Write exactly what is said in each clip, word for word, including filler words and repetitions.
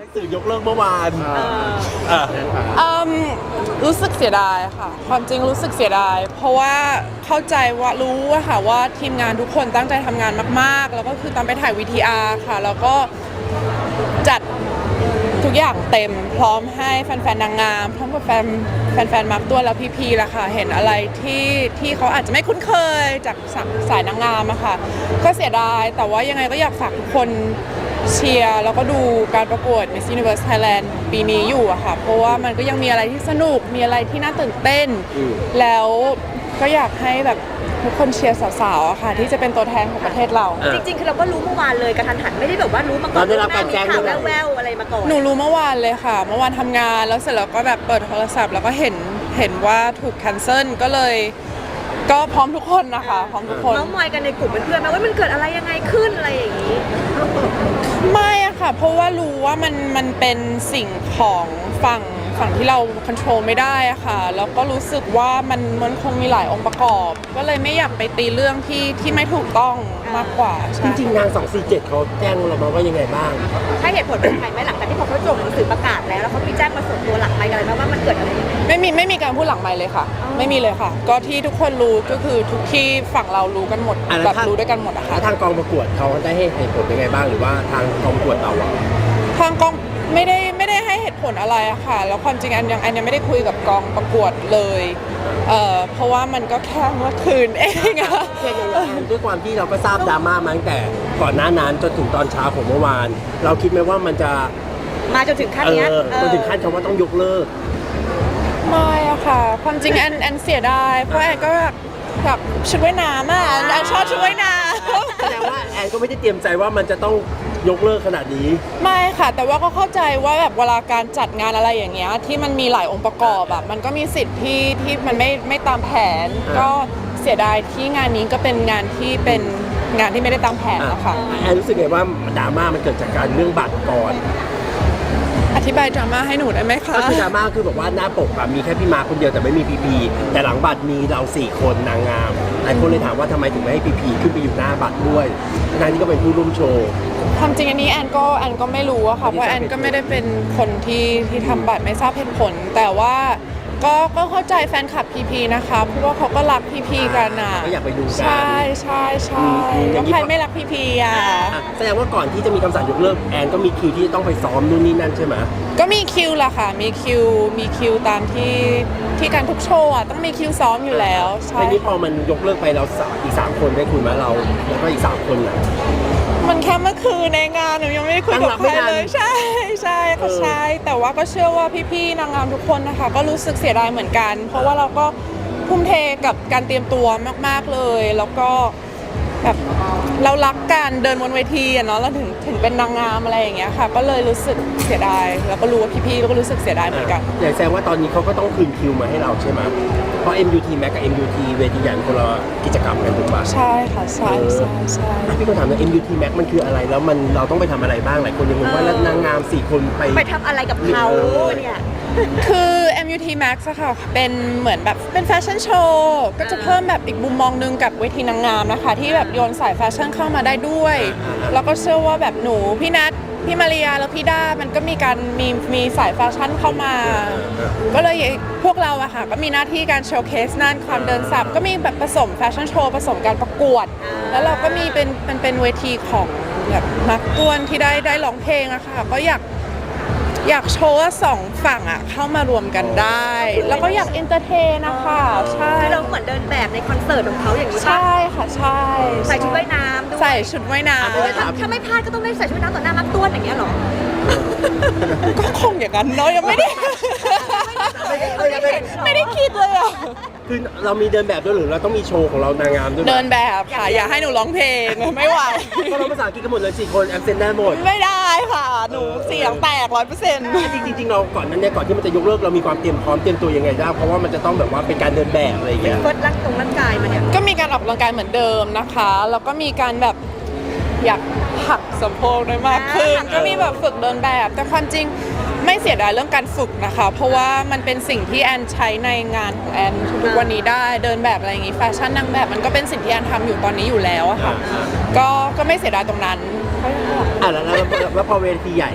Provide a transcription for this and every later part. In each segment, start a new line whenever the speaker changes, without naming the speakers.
สื่อยกเลิกเมื่อวานเออ
อืมรู้สึกเสียดายค่ะ ความจริงรู้สึกเสียดาย เพราะว่าเข้าใจว่ารู้อะค่ะว่าทีมงานทุกคนตั้งใจทำงานมากๆ แล้วก็คือตอนไปถ่าย วี ที อาร์ ค่ะ แล้วก็จัดทุกอย่างเต็มพร้อมให้แฟนๆนางงามพร้อมกับแฟนแฟนๆมาร์คตัวแล้วพีๆล่ะค่ะเห็นอะไรที่ที่เขาอาจจะไม่คุ้นเคยจากสายนางงามอะค่ะก็เสียดายแต่ว่ายังไงก็อยากฝากทุกคนเชียร์แล้วก็ดูการประกวด Miss Universe Thailand ปีนี้อยู่อะค่ะเพราะว่ามันก็ยังมีอะไรที่สนุกมีอะไรที่น่าตื่นเต้นแล้วก็อยากให้แบบทุกคนเชียร์สาวๆอะค่ะที่จะเป็นตัวแทนของประเทศเรา
จริงๆคือเราก็รู้เมื่อวานเลยกระทันหันไม่ได้แบบว่ารู้มาก่อน
เราได้รับการแจ้ง
ข่าวแว่วๆอะไรมาก่อน
หนูรู้เมื่อวานเลยค่ะ เมื่อวานทำงานแล้วเสร็จแล้วก็แบบเปิดโทรศัพท์แล้วก็เห็นเห็นว่าถูกแคนเซิลก็เลยก็พร้อมทุกคนนะคะพร้อมทุกคน
เมาส์มอยกันในกลุ่มเพื่อนๆไหมว่ามันเกิดอะไรยังไงขึ้นอะไรอย่างนี้
ไม่อะค่ะเพราะว่ารู้ว่ามันมันเป็นสิ่งของฝั่งฝั่งที่เราควบคุมไม่ได้อะค่ะแล้วก็รู้สึกว่ามันมันคงมีหลายองค์ประกอบ ก็เลยไม่อยากไปตีเรื่องที่ที่ไม่ถูกต้องมากกว่าใช่
จริงๆนางสองสี่เจ็ดเขาแจ้งเรามาว่ายังไงบ้าง
ให้เหตุผลเป็นใครไหมหลังจากที่พอเขาจบหนังสือประกาศแล้วแล้วเขามีแจ้งมาส่วนตัวหลักไปอะไรบ้างว่ามันเกิดอะไรยังไง
ไม่มีไม่มีการพูดหลังไมค์เลยค่ะ ไม่มีเลยค่ะ ก็ที่ทุกคนรู้ก็คือทุกที่ฝั่งเรารู้กันหมด
อ่ะแล้ว
แบบ
ถ้า
รู้ด้วยกันหมดอะ
แล้
ค่ะ
วทางกองประกวดเขาได้ให้เหตุผลยังไงบ้างหรือว่าทางกองประกวดเราอะ
ทางกองไม่ได้ไม่ได้ให้เหตุผลอะไรอะค่ะ แล้วความจริงอันยังอันยังไม่ได้คุยกับกองประกวดเลยเอ่อเพราะว่ามันก็แค่เมื่อคืนเองอะ
แค่ยังไงด้วยความที่เราก็ทราบดราม่ามาตั้งแต่ก่อนหน้านั้นจนถึงตอนเช้าของเมื่อวาน เราคิดไหมว่ามันจะ
มาจนถึงขั้น
เอ
เนี้ย
อจนถึงขั้นคำว่าต้องยกเลิก
ไม่อะค่ะ ความจริงแอนแอนเสียดายเพราะแอนก็แบบแบบชุดว่ายน้ำอะแอนชอบชุดว่ายน้ำ
แสดงว่าแอนก็ไม่ได้เตรียมใจว่ามันจะต้องยกเลิกขนาดนี้
ไม่ค่ะ แต่ว่าก็เข้าใจว่าแบบเวลาการจัดงานอะไรอย่างเงี้ยที่มันมีหลายองค์ประกอบแบบมันก็มีสิทธิ์ที่ที่มันไม่ไม่ตามแผน
อ่า
ก็เสียดายที่งานนี้ก็เป็นงานที่เป็นงานที่ไม่ได้ตามแผนนะคะ
แอนรู้สึกไงว่าดราม่ามันเกิดจากการเรื่องบัตรก่อน
อธิบายดราม่าให้หนูได้ไหมคะ
ก็คือดราม่าคือแบบว่าหน้าปกอะมีแค่พี่มาคนเดียวแต่ไม่มีพีพีแต่หลังบัตรมีเราสี่คนนางงามหลายคนเลยถามว่าทำไมถึงไม่ให้พีพีขึ้นไปอยู่หน้าบัตรด้วยทั้งที่ก็เป็นผู้ร่วมโชว์
ความจริงอันนี้แอนก็แอนก็ไม่รู้อะค่ะเพราะแอนก็ไม่ได้เป็นคนที่ที่ทำบัตรไม่ทราบเหตุผล แต่ว่าก็ก็เข้าใจแฟนคลับพีพีนะคะเพราะว่าเขาก็รักพีพีกันอะ
ก็อยากไปดูกัน
ใช่ใช่ใช่
อืม
แล้วใครไม่รักพีพีอะ
อ่ะแสดงว่าก่อนที่จะมีคำสั่งยกเลิกแอนก็มีคิวที่ต้องไปซ้อมนู่นนี่นั่นใช่ไหม
ก็มีคิวละค่ะ มีคิว มีคิวตามที่ที่การทุกโชว์อ่ะต้องมีคิวซ้อมอยู่แล้วใช่
ทีนี้พอมันยกเลิกไปเราสามอีกสามคนได้คุยไหมเราแล้วก็อีกสามคนน่ะ
มันแค่เมื่อคืนในงานหนูยังไม่ได้คุยกับ
ตั้งรับ
ใค
ไม่
ร
ทัน
เลยใช่ใช่ก็
เออ
ใช่แต่ว่าก็เชื่อว่าพี่ๆนางงามทุกคนนะคะ ก็รู้สึกเสียดายเหมือนกัน เพราะว่าเราก็ทุ่มเทกับการเตรียมตัวมากๆเลย แล้วก็แบบเรารักการเดินบนเวทีอะเนาะเราถึงถึงเป็นนางงามอะไรอย่างเงี้ยค่ะ ก็เลยรู้สึกเสียดายแล้วก็รู้ว่าพี่ๆแล้วก็รู้สึกเสียดายเหมือนกัน
อย่างแสดงว่าตอนนี้เขาก็ต้องคืนคิวมาให้เราใช่ไหมเพราะ เอ็ม ยู ที Max กับ เอ็ม ยู ที เวทีใหญ่คนละกิจกรรมกันถูกปะ
ใช่ค่ะใช่ใช่ใช่
พี่ก็ถามว่า เอ็ม ยู ที Max มันคืออะไรแล้วมันเราต้องไปทำอะไรบ้างหลายคนยังงงว่าแล้วนางงามสี่คนไป
ไปทำอะไรกับเขาเนี่ย
คือ เอ็ม ยู ที Max อะค่ะเป็นเหมือนแบบเป็นแฟชั่นโชว์ก็จะเพิ่มแบบอีกมุมมองหนึงกับเวทีนางงามนะคะ ที่แบบโยนสายแฟชั่นเข้ามาได้ด้วย แล้วก็เชื่อว่าแบบหนูพี่นัทพี่มาริยาแล้วพี่ด้ามันก็มีการมีมีสายแฟชั่นเข้ามา ก็เลยพวกเราอะค่ะก็มีหน้าที่การโชว์เคสนั่นความเดินสับก็มีแบบผสมแฟชั่นโชว์ผสมการประกวด แล้วเราก็มีเป็นเป็นเป็นเวทีของแบบมักกวนที่ได้ได้ร้องเพลงอะค่ะก็อยากอยากโชว์ว่าสองฝั่งอะเข้ามารวมกันได้ แล้วก็อยากเอนเตอร์เทนนะคะใช่
คือเราเหมือนเดินแบบในคอนเสิร์ตของเขาอย่างนี้ป่ะ
ใช่ค่ะใช่
ใส่ชุดว่ายน้ำด้วย
ใส่ชุดว่ายน้
แล้วถ้าถ้าไม่พลาดก็ต้องได้ใส่ชุดว่ายน้ำต่อหน้ามักต้วนอย่างเงี้ยเหรอ
ำก็คงอย่างนั้นเนาะยังไม่ได้ ไม่ได้คิดเลยอะ
คือเรามีเดินแบบด้วยหรือเราต้องมีโชว์ของเรานางงามด้วยไหม
เดินแบบค่ะอย่าให้หนูร้องเพลงไม่ไหว
ก็เราภาษาอังกฤษกันหมดเลยสี่คนแอมเซนได้หมด
ไม่ได้ค่ะ หนูเสียงแตกร้อยเปอร์เซ็นต์
จริงๆจริงๆเราก่อนนั้นเนี่ยก่อนที่มันจะยกเลิกเรามีความเตรียมพร้อมเตรียมตัวยังไงได้เพราะว่ามันจะต้องแบบว่าเป็นการเดินแบบอะไรอย่างเงี้ย
เฟิร์สร่างตรงร่างกายมาเนี่ย
ก็มีการออกกำลังกายเหมือนเดิมนะคะ แล้วก็มีการแบบอยากหักสะโพกได้มากขึ้น
อ่า
ก็มีแบบฝึกเดินแบบ แต่ความจริงไม่เสียดายเรื่องการฝึกนะคะ เพราะว่ามันเป็นสิ่งที่แอนใช้ในงานของแอนทุกวันนี้ได้เดินแบบอะไรอย่างงี้แฟชั่นนางแบบมันก็เป็นสิ่งที่แอนทำอยู่ตอนนี้อยู่แล้วอะค่ะ ก็ก็ไม่เสียดายตรงนั้น
อ่ะแล้วแล้วแล้วแล้วพอเวทีใหญ่อ่ะ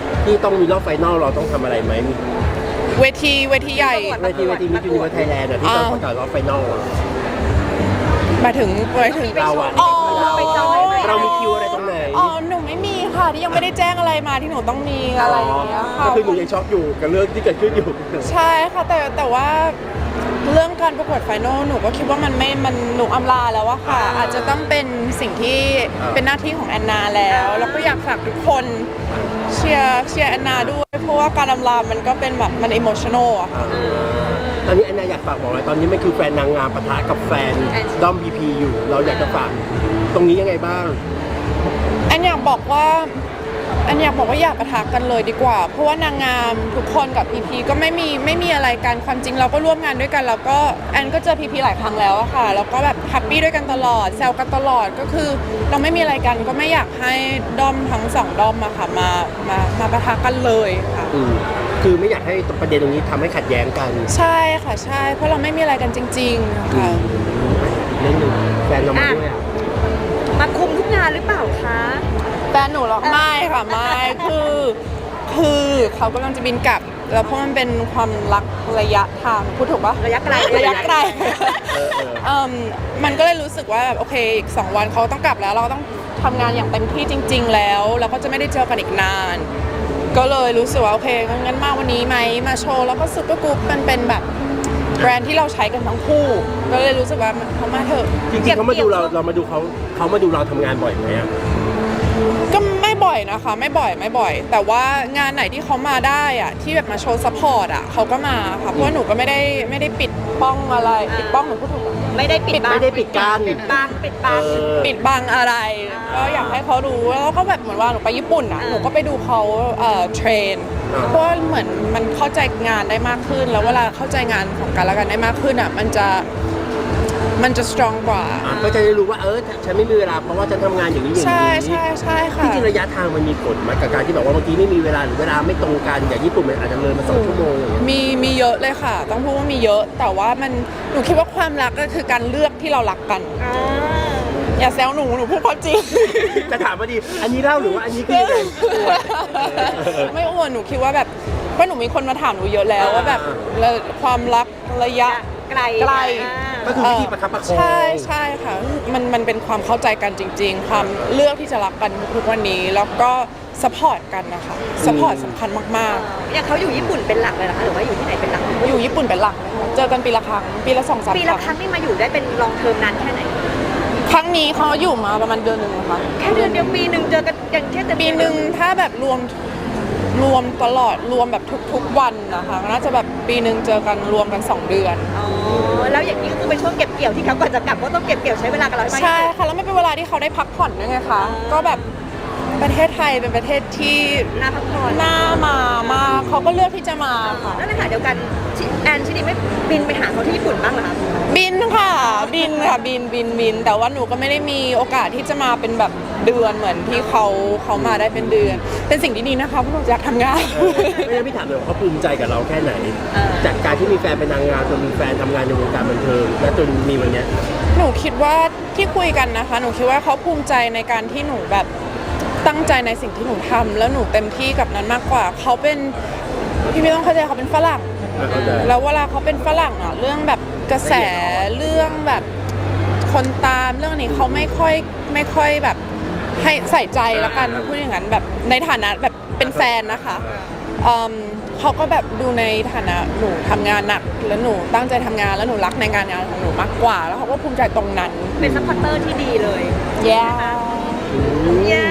ที่ต้องมีรอบไฟนอลเราต้องทำอะไรไหม
เวทีเวทีใหญ่
เวทีเวทีมิสยูนิเวอร์ไทยแลนด์ที่ต้องประกาศรอบไฟนอล
มาถึงมาถึง
เราอะ
อ๋อ
เรามีคิวอะไรตรงไหน
อ๋อหนูไม่มีค่ะที่ยังไม่ได้แจ้งอะไรมาที่หนูต้องมีอะไรอย่างเงี้ยค่ะ
ก็คือหนูยังช็อกอยู่กับเรื่องที่เกิดขึ้นอยู่
ใช่ค่ะแต่แต่ว่าเรื่องการประกวดไฟนอลหนูก็คิดว่ามันไม่มันหนูอำลาแล้วอะค่ะ อาจจะต้องเป็นสิ่งที่เป็นหน้าที่ของแอนนาแล้วแล้วก็อยากฝากทุกคนเชียร์เชียร์แอนนาด้วยเพราะว่าการอำลามันก็เป็นแบบมันอิโมชันอลอะค่ะ
ตอนนี้แอนนาอยากฝากบอกอะไรตอนนี้มันคือแฟนนางงามปะทะกับแฟนด้อมบีพีอยู่เราอยากจะฝากตรงนี้ยังไงบ้าง
แอนอยากบอกว่าแอนอยากบอกว่าอย่าปะทะกันเลยดีกว่า เพราะว่านางงามทุกคนกับพีพีก็ไม่มีไม่มีอะไรกันความจริงเราก็ร่วมงานด้วยกันแล้วก็แอนก็เจอพีพีหลายครั้งแล้วอะค่ะแล้วก็แบบแฮปปี้ด้วยกันตลอดแซวกันตลอดก็คือเราไม่มีอะไรกันก็ไม่อยากให้ด้อมทั้งสองด้อมอะค่ะมามามาปะทะกันเลยค่ะ
อืมคือไม่อยากให้ประเด็นตรงนี้ทำให้ขัดแย้งกัน
ใช่ค่ะใช่เพราะเราไม่มีอะไรกันจริงๆค่ะ
เรื่องหนึ่งแฟนเรามาด้วยอ่ะ
มาคุมทุกงานหรือเปล่าคะ
แฟนหนูหรอกไม่ค่ะไม่คือคือเขากำลังจะบินกลับ แล้วเพราะมันเป็นความรักระยะทางพูดถูกปะ
ระยะไกล
ระยะไกล
เออเออ
เอิ่มมันก็เลยรู้สึกว่าแบบโอเคอีกสองวันเขาต้องกลับแล้วเราก็ต้องทำงานอย่างเต็มที่จริง ๆ แล้วเราก็จะไม่ได้เจอกันอีกนาน ก็เลยรู้สึกว่าโอเคงั้นมาวันนี้ไหมมาโชว์แล้วก็ซุปเปอร์กรุ๊ปมันเป็นแบบแบรนด์ที่เราใช้กันทั้งคู่ ก็เลยรู้สึกว่าเขามาเถอะ
จริงๆเขามาดูเราเรามาดูเขาเขามาดูเราทำงานบ่อยไหมอ่ะ
ก็ไม่บ่อยนะคะไม่บ่อยไม่บ่อย แต่ว่างานไหนที่เขามาได้อะที่แบบมาโชว์ซัพพอร์ตอะเขาก็มาค่ะเพราะว่าหนูก็ไม่ได้ไม่ได้ปิดป้องอะไรปิดป้องหนูพูดถูกปะ
ไม่ได้ปิดบัง
ไม่ได้ปิดกั้น
ปิดบังปิดบัง
เออ
ปิดบังอะไร
อ่า
ก็อยากให้เขารู้แล้วก็แบบเหมือนว่าหนูไปญี่ปุ่นอ่ะ
อ่า
หนูก็ไปดูเขาเอ่อเทรน
อ่า
เพราะว่าเหมือนมันเข้าใจงานได้มากขึ้น แล้วเวลาเข้าใจงานของกันและกันได้มากขึ้นอ่ะมันจะมันจะ strong กว่า
อ่ะก็จะได้รู้ว่าเออฉันไม่มีเวลาเพราะว่าฉันทำงานอย่างนี้อย่างนี้
ใช่ใช่ใช่ค่ะ
จริงๆระยะทางมันมีผลไหมกับการที่แบบว่าบางทีไม่มีเวลาหรือเวลาไม่ตรงกันอย่างญี่ปุ่นมันอาจจะเลยมาสองชั่วโมงอย่างเงี้ย
มีมีเยอะเลยค่ะ ต้องพูดว่ามีเยอะ แต่ว่ามันหนูคิดว่าความรักก็คือการเลือกที่เรารักกัน
อ่า
อย่าแซวหนูหนูพูดความจริง
จะถามว่าดีอันนี้เล่าหรือว่าอันนี้คือยังไงอวดเออ
ไม่อ้วนหนูคิดว่าแบบเพราะหนูมีคนมาถามหนูเยอะแล้ว
อ่า
ว่าแบบแล้วความรักระยะ
ไกล
ไกล
อ่า
ก็คือวิธีประคับประคอง
ใช่ใช่ค่ะมันมันเป็นความเข้าใจกันจริง ๆ ความเลือกที่จะรักกันทุกวันนี้ แล้วก็สปอร์ตกันนะคะสปอร์ตสำคัญมาก
อย่างเขาอยู่ญี่ปุ่นเป็นหลักเลยนะคะหรือว่าอยู่ที่ไหนเป็นหลัก
ๆ อยู่ญี่ปุ่นเป็นหลักนะคะเจอกันปีละครั้งปีละสองสาม
ปี
ค
ละ
รั้ง
ครั้งนี่มาอยู่ได้เป็นลองเทอมนานแค่ไหน
ครั้งนี้เขาอยู่มาประมาณเดือนหนึ่งนะคะ
แค่เดือนเดียวปีหนึ่งเจอกันอย่างแค่แต่
ปีหนึ่งถ้าแบบรวมรวมตลอดรวมแบบทุกๆวันนะคะน่าจะแบบปีหนึ่งเจอกันรวมกันสองเดือน
อ๋อแล้วอย่างนี้ก็คือเป็นช่วงเก็บเกี่ยวที่เขาก่อนจะกลับก็ต้องเก็บเกี่ยวใช้เวลากับเราให้มากที่สุด
ใช่ค่ะแล้วไม่เป็นเวลาที่เขาได้พักผ่อนด้วยไงคะก็แบบประเทศไทยเป็นประเทศที่
น่าพักผ่อน
น่ามามากเขาก็เลือกที่จะมาค่ะ
แล้วในขณะเดียวกันชิแอนชินีไม่บินไปหาเขาที่ญี่ปุ่นบ้างเหรอคะ
บินค่ะบินค่ะบินบินบิน แต่ว่าหนูก็ไม่ได้มีโอกาสที่จะมาเป็นแบบเดือนเหมือนที่เขาเขามาได้เป็นเดือน เป็นสิ่งที่ดีนะคะเพราะหนูอยากทำงาน
ไม่งั้นพี่ถามเลยว่าเขาภูมิใจกับเราแค่ไหน จากการที่มีแฟนเป็นนางงามจนมีแฟนทำงานในวงการบันเทิงและจนมีวันเนี้ย
หนูคิดว่าที่คุยกันนะคะ หนูคิดว่าเขาภูมิใจในการที่หนูแบบตั้งใจในสิ่งที่หนูทำแล้วหนูเต็มที่กับนั้นมากกว่าเขาเป็นพี่ไม่ต้องเข้าใจเขาเป็นฝรั่ง
เข้าใจ
แล้วเวลาเขาเป็นฝรั่งอะเรื่องแบบกระแสเรื่องแบบคนตามเรื่องนี้เขาไม่ค่อยไม่ค่อยแบบให้ใส่ใจแล้วกันพูดอย่างนั้นแบบในฐานะแบบเป็นแฟนนะคะเอิ่มเขาก็แบบดูในฐานะหนูทำงานหนักแล้วหนูตั้งใจทำงานแล้วหนูรักในงานงานของหนูมากกว่า แล้วเขาก็ภูมิใจตรงนั้น
เป็นซัพพอร์ตเตอร์ที่ดีเลย
แย่
เย่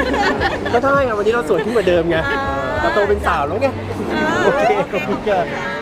ก็ใช่ไงวันนี้เราสวยขึ้นกว่าเดิมไงเราโตเป็นสาวแล้วไง โอเคขอบคุณค่ะ